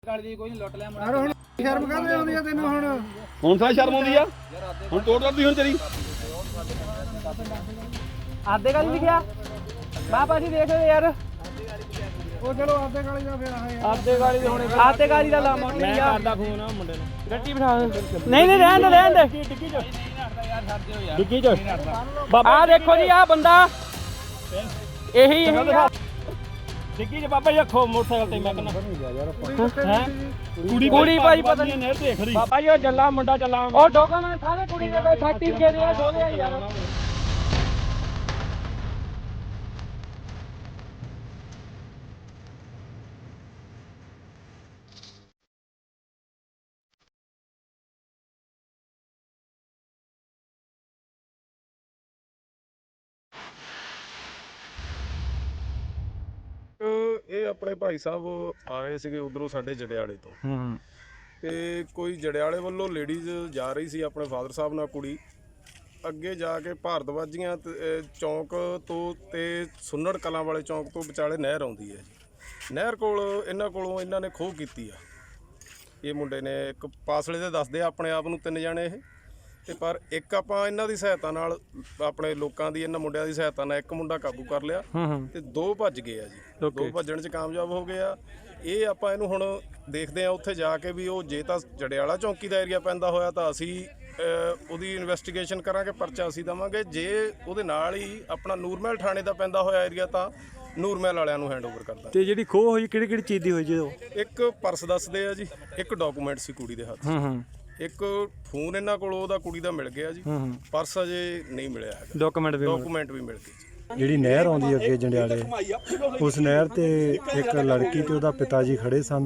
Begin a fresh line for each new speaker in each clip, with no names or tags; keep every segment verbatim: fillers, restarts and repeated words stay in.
ਸ਼ਰਮ ਕਾਹਦੇ ਆਉਂਦੀ ਆ ਤੈਨੂੰ ਹੁਣ
ਹੁਣ ਤਾਂ ਸ਼ਰਮ ਆਉਂਦੀ ਆ ਹੁਣ ਤੋੜ ਕਰਦੀ ਹੁਣ ਤੇਰੀ
ਆਦੇ ਗਾਲੀ ਲਿਖਿਆ ਬਾਬਾ ਜੀ ਦੇਖ ਯਾਰ
ਉਹ ਚਲੋ ਆਦੇ ਗਾਲੀ ਦਾ ਫਿਰ ਆਏ
ਆਦੇ ਗਾਲੀ ਦੇ ਹੁਣੇ ਆਦੇ ਗਾਲੀ ਦਾ ਲਾ ਮੈਂ ਕਰਦਾ ਫੋਨ ਮੁੰਡੇ ਨੂੰ ਗੱਡੀ ਬਿਠਾ ਨਹੀਂ ਨਹੀਂ ਰਹਿਣ ਦੇ ਰਹਿਣ ਦੇ ਡਿੱਗੀ ਚ ਡਿੱਗੀ ਚ ਆ ਦੇਖੋ ਜੀ ਆ ਬੰਦਾ ਇਹੀ ਡਿੱਗੀ ਚ ਬਾਬਾ ਜੀ ਰੱਖੋ ਮੋਟਰਸਾਈਕਲ ਤੇ ਮੈਂ ਕਹਿੰਦਾ ਹੈ ਕੁੜੀ ਕੁੜੀ ਭਾਈ ਪਤਾ ਨਹੀਂ ਨਹਿਰ ਦੇਖ ਰਹੀ ਬਾਬਾ ਜੀ ਉਹ ਜੱਲਾ ਮੁੰਡਾ ਚੱਲਾ ਉਹ ਡਾਕੂਮੈਂਟ ਸਾਰੇ ਕੁੜੀ ਦੇ ਕੋਈ ਸਰਟੀਫਿਕੇਟ ਦੇ ਸੋਦੇ ਆ ਯਾਰ
ਇਹ ਆਪਣੇ ਭਾਈ ਸਾਹਿਬ ਆਏ ਸੀਗੇ ਉਧਰੋਂ ਸਾਡੇ ਜੜਿਆਲੇ ਤੋਂ ਤੇ ਕੋਈ ਜੜਿਆਲੇ ਵੱਲੋਂ ਲੇਡੀਜ਼ ਜਾ ਰਹੀ ਸੀ ਆਪਣੇ ਫਾਦਰ ਸਾਹਿਬ ਨਾਲ ਕੁੜੀ ਅੱਗੇ ਜਾ ਕੇ ਭਾਰਤਵਾਜੀਆਂ ਚੌਂਕ ਤੋਂ ਤੇ ਸੁੰਨੜ ਕਲਾਂ ਵਾਲੇ ਚੌਂਕ ਤੋਂ ਵਿਚਾਲੇ ਨਹਿਰ ਆਉਂਦੀ ਹੈ ਜੀ ਨਹਿਰ ਕੋਲ ਇਹਨਾਂ ਕੋਲੋਂ ਇਹਨਾਂ ਨੇ ਖੋਹ ਕੀਤੀ ਆ ਇਹ ਮੁੰਡੇ ਨੇ ਇੱਕ ਪਾਸਲੇ ਦੇ ਦੱਸਦੇ ਆ ਆਪਣੇ ਆਪ ਨੂੰ ਤਿੰਨ ਜਾਣੇ ਇਹ ਤੇ ਪਰ ਇੱਕ ਆਪਾਂ ਇਹਨਾਂ ਦੀ ਸਹਾਇਤਾ ਨਾਲ ਆਪਣੇ ਲੋਕਾਂ ਦੀ ਇਹਨਾਂ ਮੁੰਡਿਆਂ ਦੀ ਸਹਾਇਤਾ ਨਾਲ ਇੱਕ ਮੁੰਡਾ ਕਾਬੂ ਕਰ ਲਿਆ ਤੇ ਦੋ ਭੱਜ ਗਏ ਆ ਜੀ ਦੋ ਭੱਜਣ 'ਚ ਕਾਮਯਾਬ ਹੋ ਗਏ ਆ ਇਹ ਆਪਾਂ ਇਹਨੂੰ ਹੁਣ ਦੇਖਦੇ ਆ ਉੱਥੇ ਜਾ ਕੇ ਵੀ ਉਹ ਜੇ ਤਾਂ ਜੜਿਆਲਾ ਚੌਂਕੀ ਦਾ ਏਰੀਆ ਪੈਂਦਾ ਹੋਇਆ ਤਾਂ ਅਸੀਂ ਉਹਦੀ ਇਨਵੈਸਟੀਗੇਸ਼ਨ ਕਰਾਂਗੇ ਪਰਚਾ ਅਸੀਂ ਦੇਵਾਂਗੇ ਜੇ ਉਹਦੇ ਨਾਲ ਹੀ ਆਪਣਾ ਨੂਰਮਹਿਲ ਥਾਣੇ ਦਾ ਪੈਂਦਾ ਹੋਇਆ ਏਰੀਆ ਤਾਂ ਨੂਰਮਹਿਲ ਵਾਲਿਆਂ ਨੂੰ ਹੈਂਡਓਵਰ ਕਰਦਾ ਤੇ ਜਿਹੜੀ ਖੋਹ ਹੋਈ ਕਿਹੜੀ ਕਿਹੜੀ ਚੀਜ਼ ਦੀ ਹੋਈ ਜੀ ਇੱਕ ਪਰਸ ਦੱਸਦੇ ਆ ਜੀ ਇੱਕ ਡਾਕੂਮੈਂਟ ਸੀ ਕੁੜੀ ਦੇ ਹੱਥ ਇੱਕ ਫੋਨ ਇਹਨਾਂ ਕੋਲ ਉਹਦਾ ਕੁੜੀ ਦਾ ਮਿਲ ਗਿਆ ਜੀ ਪਰਸ ਅਜੇ ਨਹੀਂ ਮਿਲਿਆ ਹੈਗਾ ਡਾਕੂਮੈਂਟ ਵੀ ਡਾਕੂਮੈਂਟ ਵੀ ਮਿਲ ਗਏ
ਜਿਹੜੀ ਨਹਿਰ ਆਉਂਦੀ ਅੱਗੇ ਜੰਡਿਆਲੇ ਉਸ ਨਹਿਰ ਤੇ ਇੱਕ ਲੜਕੀ ਤੇ ਉਹਦਾ ਪਿਤਾ ਜੀ ਖੜੇ ਸਨ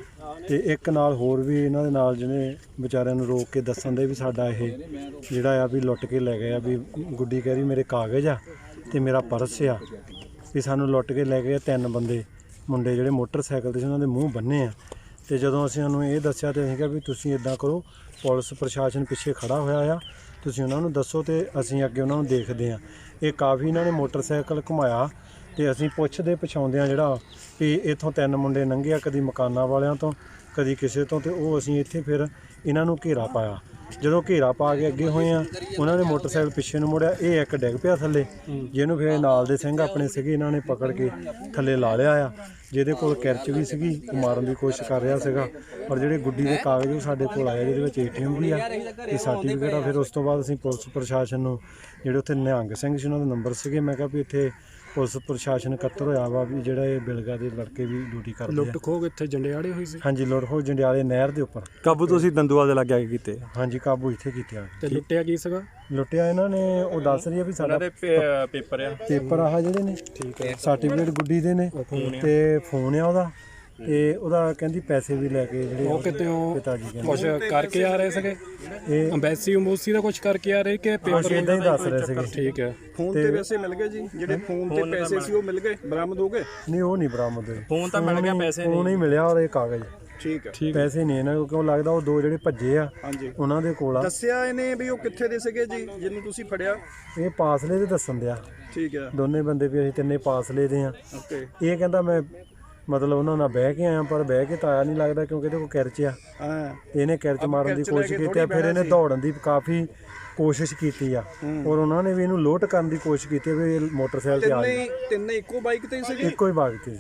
ਤੇ ਇੱਕ ਨਾਲ ਹੋਰ ਵੀ ਇਹਨਾਂ ਦੇ ਨਾਲ ਜਿਹਨੇ ਵਿਚਾਰਿਆਂ ਨੂੰ ਰੋਕ ਕੇ ਦੱਸਣ ਦੇ ਵੀ ਸਾਡਾ ਇਹ ਜਿਹੜਾ ਆ ਵੀ ਲੁੱਟ ਕੇ ਲੈ ਗਏ ਆ ਵੀ ਗੁੱਡੀ ਕਹਿ ਰਹੀ ਮੇਰੇ ਕਾਗਜ਼ ਆ ਤੇ ਮੇਰਾ ਪਰਸ ਆ ਵੀ ਸਾਨੂੰ ਲੁੱਟ ਕੇ ਲੈ ਗਏ ਤਿੰਨ ਬੰਦੇ ਮੁੰਡੇ ਜਿਹੜੇ ਮੋਟਰਸਾਈਕਲ ਤੇ ਸੀ ਉਹਨਾਂ ਦੇ ਮੂੰਹ ਬੰਨੇ ਆ ਤੇ ਜਦੋਂ ਅਸੀਂ ਉਹਨੂੰ ਇਹ ਦੱਸਿਆ ਤੇ ਅਸੀਂ ਕਿਹਾ ਵੀ ਤੁਸੀਂ ਇਦਾਂ ਕਰੋ ਪੁਲਿਸ ਪ੍ਰਸ਼ਾਸਨ ਪਿੱਛੇ ਖੜਾ ਹੋਇਆ ਆ ਤੁਸੀਂ ਉਹਨਾਂ ਨੂੰ ਦੱਸੋ ਤੇ ਅਸੀਂ ਅੱਗੇ ਉਹਨਾਂ ਨੂੰ ਦੇਖਦੇ ਹਾਂ ਇਹ ਕਾਫੀ ਇਹਨਾਂ ਨੇ ਮੋਟਰਸਾਈਕਲ ਘੁਮਾਇਆ ਤੇ ਅਸੀਂ ਪੁੱਛਦੇ ਪਛਾਉਂਦੇ ਹਾਂ ਜਿਹੜਾ ਵੀ ਇੱਥੋਂ ਤਿੰਨ ਮੁੰਡੇ ਲੰਘੇ ਕਦੀ ਮਕਾਨਾਂ ਵਾਲਿਆਂ ਤੋਂ ਕਦੀ ਕਿਸੇ ਤੋਂ ਤੇ ਉਹ ਅਸੀਂ ਇੱਥੇ ਫਿਰ ਇਹਨਾਂ ਨੂੰ ਘੇਰਾ ਪਾਇਆ ਜਦੋਂ ਘੇਰਾ ਪਾ ਕੇ ਅੱਗੇ ਹੋਏ ਆ ਉਹਨਾਂ ਨੇ ਮੋਟਰਸਾਈਕਲ ਪਿੱਛੇ ਨੂੰ ਮੁੜਿਆ ਇਹ ਇੱਕ ਡਿੱਗ ਪਿਆ ਥੱਲੇ ਜਿਹਨੂੰ ਫਿਰ ਨਾਲ ਦੇ ਸਿੰਘ ਆਪਣੇ ਸੀਗੇ ਇਹਨਾਂ ਨੇ ਪਕੜ ਕੇ ਥੱਲੇ ਲਾ ਲਿਆ ਆ ਜਿਹਦੇ ਕੋਲ ਕਿਰਚ ਵੀ ਸੀਗੀ ਉਹ ਮਾਰਨ ਦੀ ਕੋਸ਼ਿਸ਼ ਕਰ ਰਿਹਾ ਸੀਗਾ ਪਰ ਜਿਹੜੇ ਗੁੱਡੀ ਦੇ ਕਾਗਜ਼ ਉਹ ਸਾਡੇ ਕੋਲ ਆਏ ਜਿਹਦੇ ਵਿੱਚ ਏ ਟੀ ਐਮ ਵੀ ਆ ਤੇ ਸਰਟੀਫਿਕੇਟ ਆ ਫਿਰ ਉਸ ਤੋਂ ਬਾਅਦ ਅਸੀਂ ਪੁਲਿਸ ਪ੍ਰਸ਼ਾਸਨ ਨੂੰ ਜਿਹੜੇ ਉੱਥੇ ਨਿਹੰਗ ਸਿੰਘ ਸੀ ਉਹਨਾਂ ਦੇ ਨੰਬਰ ਸੀਗੇ ਮੈਂ ਕਿਹਾ ਵੀ ਇੱਥੇ ਪੁਲਿਸ ਪ੍ਰਸ਼ਾਸਨ ਇਕੱਤਰ ਹੋਇਆ ਵਾ ਵੀ ਜਿਹੜਾ ਇਹ ਬਿਲਗਾ ਦੇ ਲੜਕੇ ਵੀ ਡਿਊਟੀ ਕਰਦੇ ਆ
ਲੁੱਟ ਖੋਹ ਇੱਥੇ ਜੰਡਿਆਲੇ ਹੋਈ ਸੀ
ਹਾਂਜੀ ਲੁੱਟ ਖੋਹ ਜੰਡਿਆਲੇ ਨਹਿਰ ਦੇ ਉੱਪਰ
ਕਾਬੂ ਤੁਸੀਂ ਦੰਦੂਵਾਲ ਦੇ ਲੱਗ ਕੇ ਕੀਤੇ
ਹਾਂਜੀ ਕਾਬੂ ਇੱਥੇ ਕੀਤੇ
ਤੇ ਲੁੱਟਿਆ ਕੀ ਸੀਗਾ
ਲੁੱਟਿਆ ਇਹਨਾਂ ਨੇ ਉਹ ਦੱਸ ਰਹੀ ਆ ਵੀ ਸਾਡਾ
ਪੇਪਰ ਆ
ਪੇਪਰ ਆਹ ਜਿਹੜੇ ਨੇ ਠੀਕ ਹੈ ਸਰਟੀਫਿਕੇਟ ਗੁੱਡੀ ਦੇ ਨੇ ਤੇ ਫੋਨ ਆ ਉਹਦਾ ਤੇ ਉਹਦਾ ਕਹਿੰਦੀ ਪੈਸੇ ਵੀ ਲੈ ਕੇ ਜਿਹੜੇ
ਉਹ ਕਿਤੇ ਉਹ
ਪਿਤਾ ਜੀ ਕਹਿੰਦੇ
ਕੁਝ ਕਰਕੇ ਆ ਰਹੇ ਸੀਗੇ ਇਹ ਅੰਬੈਸੀ ਅੰਬੂਸੀ ਦਾ ਕੁਝ ਕਰਕੇ ਆ ਰਹੇ ਕਿ
ਪੇਪਰ ਇਦਾਂ ਹੀ ਦੱਸ ਰਹੇ ਸੀਗੇ
ਠੀਕ ਹੈ
ਫੋਨ ਤੇ ਪੈਸੇ ਮਿਲ ਗਏ ਜੀ ਜਿਹੜੇ ਫੋਨ ਤੇ ਪੈਸੇ ਸੀ ਉਹ ਮਿਲ ਗਏ ਬਰਾਮਦ ਹੋ ਗਏ
ਨਹੀਂ ਉਹ ਨਹੀਂ ਬਰਾਮਦ ਹੋਏ
ਫੋਨ ਤਾਂ ਮਿਲ ਗਿਆ ਪੈਸੇ
ਨਹੀਂ ਫੋਨ ਹੀ ਮਿਲਿਆ ਔਰ ਇਹ ਕਾਗਜ਼
ਠੀਕ ਹੈ
ਪੈਸੇ ਨਹੀਂ ਇਹਨਾਂ ਕਿਉਂ ਲੱਗਦਾ ਉਹ ਦੋ ਜਿਹੜੇ ਭੱਜੇ ਆ ਉਹਨਾਂ ਦੇ ਕੋਲ ਆ
ਦੱਸਿਆ ਇਹਨੇ ਵੀ ਉਹ ਕਿੱਥੇ ਦੇ ਸੀਗੇ ਜੀ ਜਿਹਨੂੰ ਤੁਸੀਂ ਫੜਿਆ
ਇਹ ਪਾਸਲੇ ਦੇ ਦੱਸਣ ਦਿਆ
ਠੀਕ ਹੈ
ਦੋਨੇ ਬੰਦੇ ਵੀ ਅਸੀਂ ਤਿੰਨੇ ਪਾਸਲੇ ਦੇ ਆ
ਓਕੇ
ਇਹ ਕਹਿੰਦਾ ਮੈਂ ਮਤਲਬ ਉਹਨਾਂ ਨਾਲ ਬਹਿ ਕੇ ਆਇਆ ਪਰ ਬਹਿ ਕੇ ਤਾਂ ਆਇਆ ਨਹੀਂ ਲੱਗਦਾ ਕਿਉਂਕਿ ਇਹਦੇ ਕੋਲ ਕਿਰਚ ਆ
ਹਾਂ
ਇਹਨੇ ਕਿਰਚ ਮਾਰਨ ਦੀ ਕੋਸ਼ਿਸ਼ ਕੀਤੀ ਆ ਫਿਰ ਇਹਨੇ ਦੌੜਨ ਦੀ ਕਾਫੀ ਕੋਸ਼ਿਸ਼ ਕੀਤੀ ਆ ਔਰ ਉਹਨਾਂ ਨੇ ਵੀ ਇਹਨੂੰ ਲੋਟ ਕਰਨ ਦੀ ਕੋਸ਼ਿਸ਼ ਕੀਤੀ ਵੀ ਇਹ ਮੋਟਰਸਾਈਕਲ ਤੇ ਆ
ਤਿੰਨੇ ਤਿੰਨੇ ਇੱਕੋ ਬਾਈਕ ਤੇ ਸੀਗੇ
ਇੱਕੋ ਹੀ ਬਾਈਕ ਤੇ